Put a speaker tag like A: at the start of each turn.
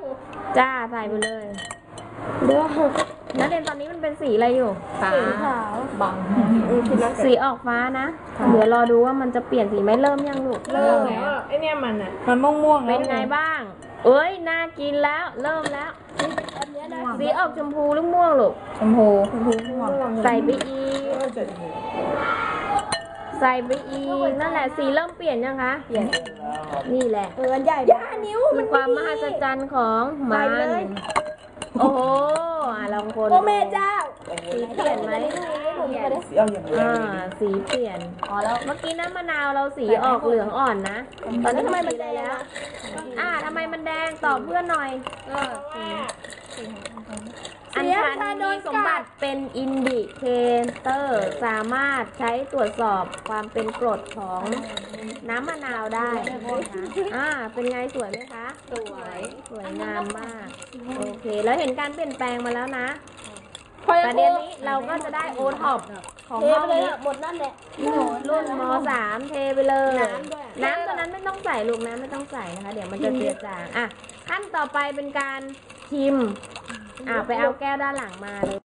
A: จ้าใส่ไปเลยเดี๋ยวนักเรียนตอนนี้มันเป็นสีอะไรอยู่ฟ้าขาวบังสีออกฟ้านะเดี๋ยวรอดูว่ามันจะเปลี่ยนสีไหมเริ่มยังลูก
B: เริ่มแล้วไอเนี่ยมันม่วงๆ
A: เป็นไงบ้างเอ้ยน่ากินแล้วเริ่มแล้วสีออกชมพูหรือม่วงลูก
B: ชมพู
A: ใส่ไปอีกใส่ไปอีกนั่นแหละสีเริ่มเปลี่ยนยังคะเปลี่ยนนี่แหละ
C: ใหญ่นิ้ว
A: มันความมหัศจรรย์ของมันโอ้โหลองคน
C: โอ้แม่เจ้า
A: สีเปลี่ยนไหมสีเปลี่ยนเมื่อกี้น้ำมะนาวเราสีออกเหลืองอ่อนนะตอนนี้ทำไมมันแดงแล้วทำไมมันแดงตอบเพื่อนหน่อยอัญชันมีสมบัติเป็นอินดิเคเตอร์สามารถใช้ตรวจสอบความเป็นกรดของน้ำมะนาวได้เป็นไงสวยไหมคะสวยงามมากโอเคแล้วเห็นการเปลี่ยนแปลงมาแล้วนะประเด็นนี้เราก็จะได้โอท็อปของห้องนี้
C: หมดนั่นแหละ
A: รุ่นม.3 เทไปเลยน้ำตัวนั้นไม่ต้องใส่ลูกน้ำไม่ต้องใส่นะคะเดี๋ยวมันจะเจือจางขั้นต่อไปเป็นการชิมไปเอาแก้วด้านหลังมาเลย